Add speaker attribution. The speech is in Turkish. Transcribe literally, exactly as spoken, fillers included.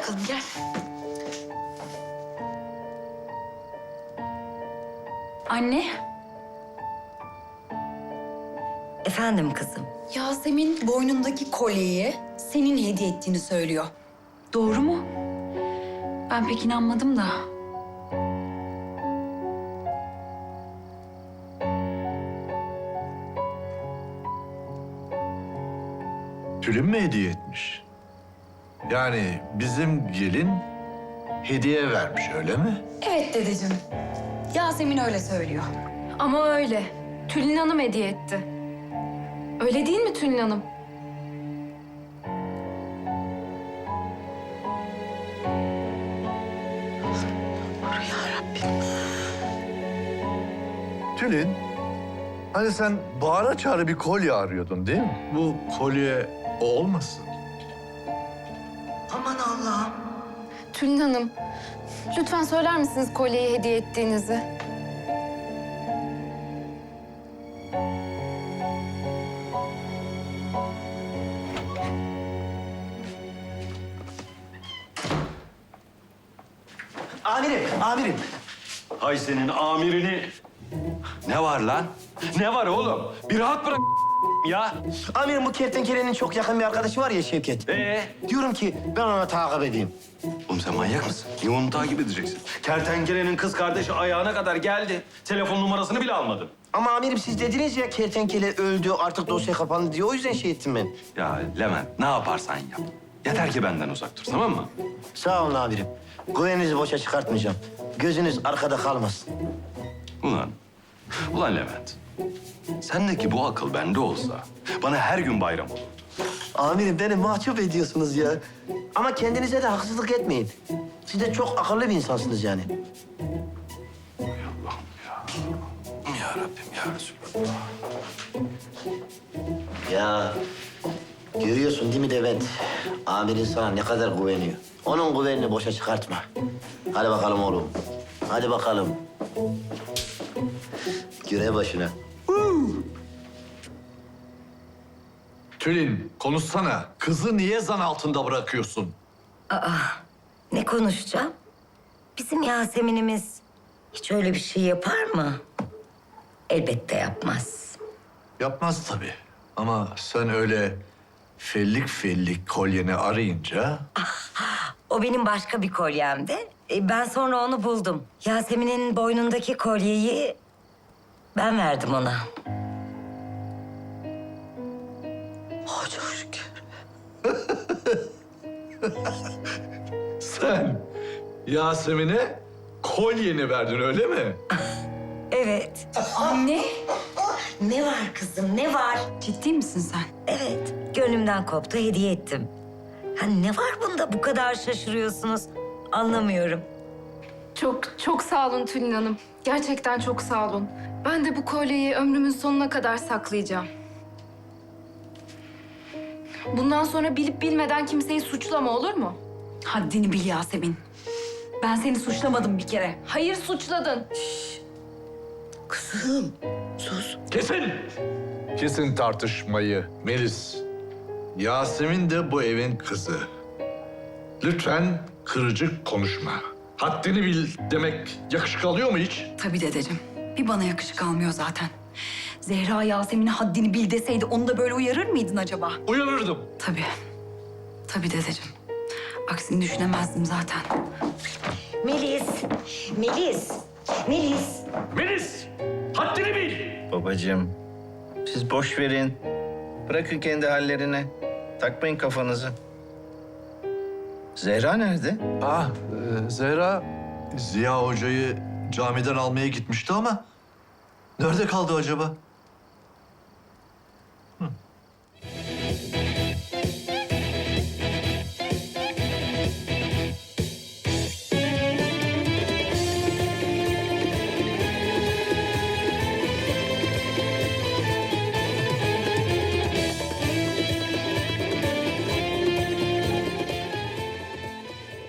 Speaker 1: bakalım gel. Anne.
Speaker 2: Efendim kızım.
Speaker 1: Yasemin boynundaki kolyeyi senin hediye ettiğini söylüyor. Doğru mu? Ben pek inanmadım da.
Speaker 3: Tülin mi hediye etmiş? Yani bizim gelin hediye vermiş öyle mi?
Speaker 1: Evet dedeciğim. Yasemin öyle söylüyor.
Speaker 4: Ama öyle. Tülin Hanım hediye etti. Öyle değil mi Tülin Hanım?
Speaker 3: Tülin, hani sen bağıra çağrı bir kolye arıyordun değil mi? Bu kolye o olmasın?
Speaker 2: Aman Allah'ım.
Speaker 4: Tülin Hanım, lütfen söyler misiniz kolyeyi hediye ettiğinizi?
Speaker 5: Amirim, amirim.
Speaker 6: Hay senin amirini. Ne var lan? Ne var oğlum? Bir rahat bırak ya.
Speaker 5: Amirim bu kertenkelenin çok yakın bir arkadaşı var ya Şevket.
Speaker 6: Ee?
Speaker 5: Diyorum ki ben ona takip edeyim.
Speaker 6: Oğlum sen manyak mısın? Niye onu takip edeceksin? Kertenkelenin kız kardeşi ayağına kadar geldi. Telefon numarasını bile almadın.
Speaker 5: Ama amirim siz dediniz ya kertenkele öldü artık dosya kapandı diye o yüzden şey ettim ben.
Speaker 6: Ya Levent ne yaparsan yap. Yeter ki benden uzak dur tamam mı?
Speaker 5: Sağ olun amirim. Güveninizi boşa çıkartmayacağım. Gözünüz arkada kalmasın.
Speaker 6: Ulan, ulan Levent. Sendeki bu akıl bende olsa bana her gün bayram olur.
Speaker 5: Amirim beni mahcup ediyorsunuz ya. Ama kendinize de haksızlık etmeyin. Siz de çok akıllı bir insansınız yani.
Speaker 6: Allah'ım ya. Ya Rabbim ya Resulallah.
Speaker 5: Ya görüyorsun değil mi Levent? Amirin sana ne kadar güveniyor. Onun güvenini boşa çıkartma. Hadi bakalım oğlum. Hadi bakalım. Görev başına.
Speaker 3: Tülin, konuşsana. Kızı niye zan altında bırakıyorsun?
Speaker 2: Ne konuşacağım? Bizim Yasemin'imiz hiç öyle bir şey yapar mı? Elbette yapmaz.
Speaker 3: Yapmaz tabii. Ama sen öyle fellik fellik kolyeni arayınca...
Speaker 2: O benim başka bir kolyemdi. E, Ben sonra onu buldum. Yasemin'in boynundaki kolyeyi ben verdim ona. Oh çok şükür.
Speaker 3: Sen Yasemin'e kolyeni verdin öyle mi?
Speaker 2: Evet.
Speaker 1: Anne.
Speaker 2: Ne var kızım ne var?
Speaker 1: Ciddi misin sen?
Speaker 2: Evet, gönlümden koptu, hediye ettim. Ha, ne var bunda bu kadar şaşırıyorsunuz? Anlamıyorum.
Speaker 4: Çok, çok sağ olun Tülin Hanım. Gerçekten çok sağ olun. Ben de bu kolyeyi ömrümün sonuna kadar saklayacağım. Bundan sonra bilip bilmeden kimseyi suçlama olur mu?
Speaker 1: Haddini bil Yasemin. Ben seni suçlamadım bir kere.
Speaker 4: Hayır suçladın.
Speaker 2: Kızım, sus.
Speaker 3: Kesin! Kesin tartışmayı Melis. Yasemin de bu evin kızı. Lütfen kırıcı konuşma. Haddini bil demek yakışık alıyor mu hiç?
Speaker 1: Tabii dedeciğim. Bir bana yakışık almıyor zaten. Zehra Yasemin'e haddini bil deseydi onu da böyle uyarır mıydın acaba?
Speaker 3: Uyarırdım.
Speaker 1: Tabii. Tabii dedeciğim. Aksini düşünemezdim zaten.
Speaker 2: Melis, Melis, Melis.
Speaker 6: Melis! Haddini bil!
Speaker 7: Babacığım, siz boş verin. Bırakın kendi hallerine. Takmayın kafanızı. Zehra nerede?
Speaker 3: Ah, e, Zehra Ziya Hoca'yı camiden almaya gitmişti ama nerede kaldı acaba?